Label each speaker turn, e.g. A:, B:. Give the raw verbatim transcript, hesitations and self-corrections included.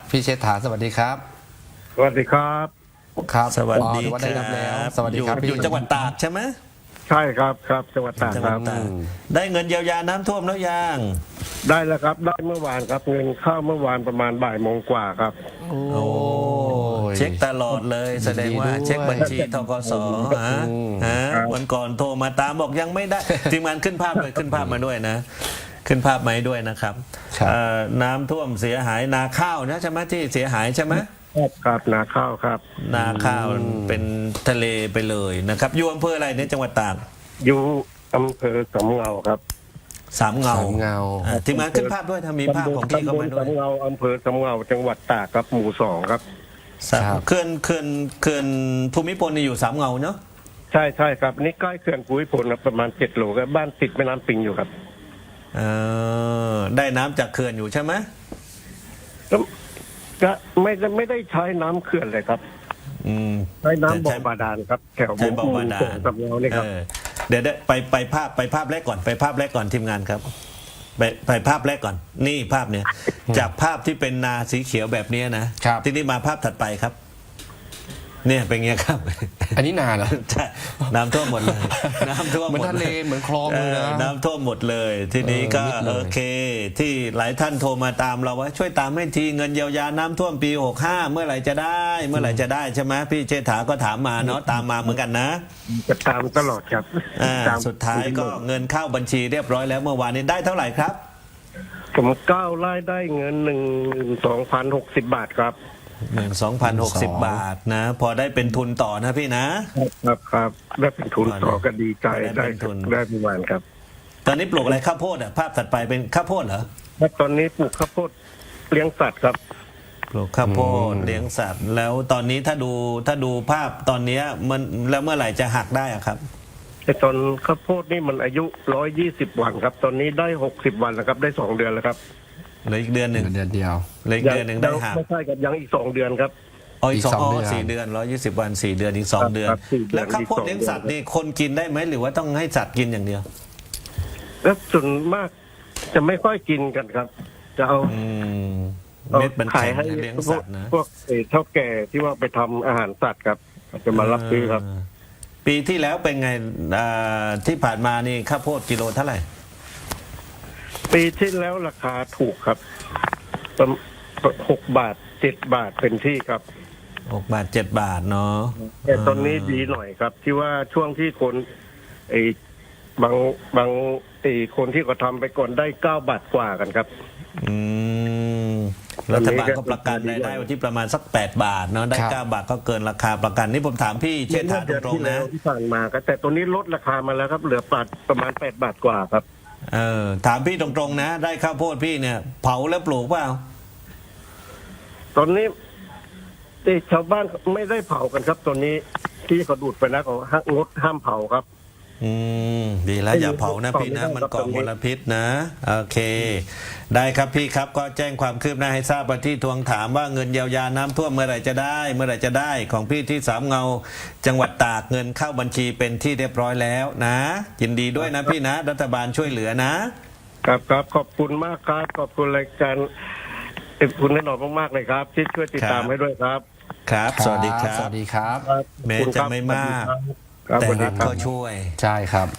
A: พี่เชษฐาสวัสดีครับ
B: สวัสดีครับ
A: ครับ
C: สวัสดี
A: อ๋อถือว่าได้รับแล้วสวัสดี
C: อยู่
A: ครับพี่
C: อยู่จังหวัดตากใช่ไหม
B: ใช่ครับครับจังหวัดตาก
C: จังห
B: ค
C: วัด
B: รับ
C: ตากได้เงินเยียวยาน้ำท่วมแล้วยัง
B: ได้แล้วครับได้เมื่อวานครับเงินเข้าเมื่อวานประมาณบ่ายโมงกว่าครับ
A: โอ้
C: โอ้เช็คตลอดเลย แสดงว่า
A: ยินดีด้วย
C: เช็คบัญชีธกสฮะฮะวันก่อนโทรมาตามบอกยังไม่ได้ทีมงานขึ้นภาพเลยขึ้นภาพมาด้วยนะ ขึ้นภาพมาให้ด้วยนะครับ
A: ครับ
C: เอ่อน้ำท่วมเสียหายนาข้าวนะใช่ไหมที่เสียหายใช่ไหม
B: ครับนาข้าวครับ
C: นาข้าวเป็นทะเลไปเลยนะครับอยู่อำเภออะไรในจังหวัดตาก
B: อยู่อำเภอสำเงาครับ
C: สามเงา
A: สามเงา
C: อ่ะทีมงานขึ้นภาพด้วยถ้ามีภาพของพี่เข้ามาด้วย
B: ตำบลสำเงาอำเภอสำเงาจังหวัดตากครับหมู่สองครับ
C: สามเขื่อนเขื่อนเขื่อนภูมิพลนี่อยู่สามเงาเนาะ
B: ใช่ใช่ครับนี่ใกล้เขื่อนภูมิพลครับประมาณเจ็ดโลครับบ้านติดแม่น้ำปิงอยู่ครับ
C: เออได้น้ำจากเขื่อนอยู่ใช่ไหม
B: ก็ก็ไม่ได้ไม่ได้ใช้น้ำเขื่อนเลยครับ
C: อืม
B: ใช้น้ำบ่อ
C: ใช้
B: บาดาลครับแถว
C: ใช้บ่อบาดาล
B: สำเงานี่ครับ
C: เออเดี๋ยวเดี๋ยวไปไปภาพไปภาพแรกก่อนไปภาพแรกก่อนทีมงานครับไปไปภาพแรกก่อน นี่ภาพเนี่ย จากภาพที่เป็นนาสีเขียวแบบเนี้ยนะครับ ทีนี้มาภาพถัดไปครับ เนี่ยเป็นไงครับ
A: อันนี้นานเหรอ
C: ใช่น้ำท่วมหมดเลยน้ำท่วม
A: เหมือน
C: หมด
A: ทะเลเหมือนคลองเลยนะ
C: ออน้ำท่วมหมดเลย ทีนี้ก็
A: เออมิดเลย
C: โอเค ที่หลายท่านโทรมาตามเราว่าช่วยตามให้ทีเงินเยียวยาน้ำท่วมปีหกห้าเมื่อไหร่จะได้ เมื่อไหร่จะได้ใช่ไหมพี่เชษฐาก็ถามมาเนาะตามมาเหมือนกันนะ
B: จะตามตลอดครับ
C: อ่า
B: ตาม
C: สุดท้ายก็เงินเข้าบัญชีเรียบร้อยแล้วเมื่อวานนี้ได้เท่าไหร่ครับ
B: ผมก้าวไล่ได้เงินหนึ่งสองพันหกสิบบาทครับ
C: หนึ่งสองพันหกสิบบาทนะ พอได้เป็นทุนต่อนะพี่นะ
B: ครับครับได้เป็นทุนต่อก็ดีใจ
C: ได้
B: ได้
C: เป็นทุน
B: ได้ประมาณครับ
C: ตอนนี้ปลูกอะไรข้าวโพดอ่ะภาพถัดไปเป็นข้าวโพดเหรอ
B: แล้วตอนนี้ปลูกข้าวโพดเลี้ยงสัตว์ครับ
C: ปลูกข้าวโพดเลี้ยงสัตว์ แล้วตอนนี้ถ้าดูถ้าดูภาพตอนเนี้ยมันแล้วเมื่อไหร่จะหักได้อะครับ
B: แต่ตอนข้าวโพดนี่มันอายุร้อยยี่สิบวันครับ ตอนนี้ได้หกสิบวันแล้วครับ ได้สองเดือนแล้วครับ
C: เหลืออีกเดือนหนึ่ง
A: เดือนเดียว
C: เหลืออีกเดือนหนึ่งได้หัก
B: ไม่ใช่ครับยังอีกสองเดือนครับ
C: อ๋ออีกสอง
A: อีกสอง
C: อ๋อ
A: เดือน
C: สี่เดือนร้อยยี่สิบวันสี่เดือนอีกสอง
B: ครับ
C: เดือน
B: ครับสี่เดือน
C: แล้วข้าวโพด
B: อีกสอง
C: เลี้ยงสัตว์
B: เดือน
C: นี่คนกินได้ไหมหรือว่าต้องให้สัตว์กินอย่างเดียว
B: แล้วส่วนมากจะไม่ค่อยกินกันครับ จะเอา
C: อืม
B: เอา
C: เม็ดมัน
B: ขาย
C: แข็ง
B: ให้
C: เลี้ยง
B: พว
C: สั
B: ก
C: ตว์นะ
B: พวกเอ่อเท่าแก่ที่ว่าไปทำอาหารสัตว์ครับจะมารับซื้อครับ
C: เออปีที่แล้วเป็นไงอ่าที่ผ่านมานี่ข้าวโพดกิโลเท่าไหร่
B: ปีที่แล้วราคาถูกครับประมาณหกบาทเจ็ดบาทเป็นที่ครับ
C: หกบาทเจ็ดบาทเนาะ
B: แต่ตอนนี้ดีหน่อยครับ ที่ว่าช่วงที่คนไอ้บางบางไอ้คนที่เขาทำไปก่อนได้เก้าบาทกว่ากันครับ
C: อืมรัฐบาลก็ประกันรายได้ไว้ที่ประมาณสักแปดบาทเนาะได้
A: ครับ
C: เก้าบาทก็เกินราคาประกันนี่ผมถามพี่เชษฐาต
B: เดือน
C: รง
B: ที่
C: ๆ
B: แล้
C: นะ
B: วที่ผ่านมาครับแต่ตัวนี้ลดราคามาแล้วครับ เหลือปาดประมาณแปดบาทกว่าครับ
C: เออถามพี่ตรงๆนะ ได้ข้าวโพดพี่เนี่ย เผาแล้วปลูกเปล่า
B: ตอนนี้ที่ชาวบ้านไม่ได้เผากันครับ ตอนนี้ที่เขาดูดไปแล้วเขาห้ามงดห้ามเผาครับ
C: อืมดีแล้วอย่าเผานะพี่นะมันก่อมลพิษนะโอเค ได้ครับพี่ครับก็แจ้งความคืบหน้าให้ทราบว่าที่ทวงถามว่าเงินเยียวยาน้ำท่วมเมื่อไหร่จะได้ เมื่อไหร่จะได้ของพี่ที่สามเงา จังหวัดตากเงินเข้าบัญชีเป็นที่เรียบร้อยแล้วนะยินดีด้วยนะพี่นะ รัฐบาลช่วยเหลือนะ
B: ครับครับขอบคุณมากครับ ขอบคุณรายการขอบคุณแน่นอนมากๆเลยครับ ที่ช่วยติดตาม
C: ครับ
B: ให้ด้วยครับ
C: ครับ สวัสดีครั
A: ส
C: บ
A: วัสดีครับ
B: ครับ
C: แม้
B: ขอบคุณ
C: จะ
B: ครับ
C: ไม่มาก
B: ครับ
C: แต่
B: สวัสดี
C: รัฐ
B: ครับ
C: ก็ช่วย
A: ใช่ครับ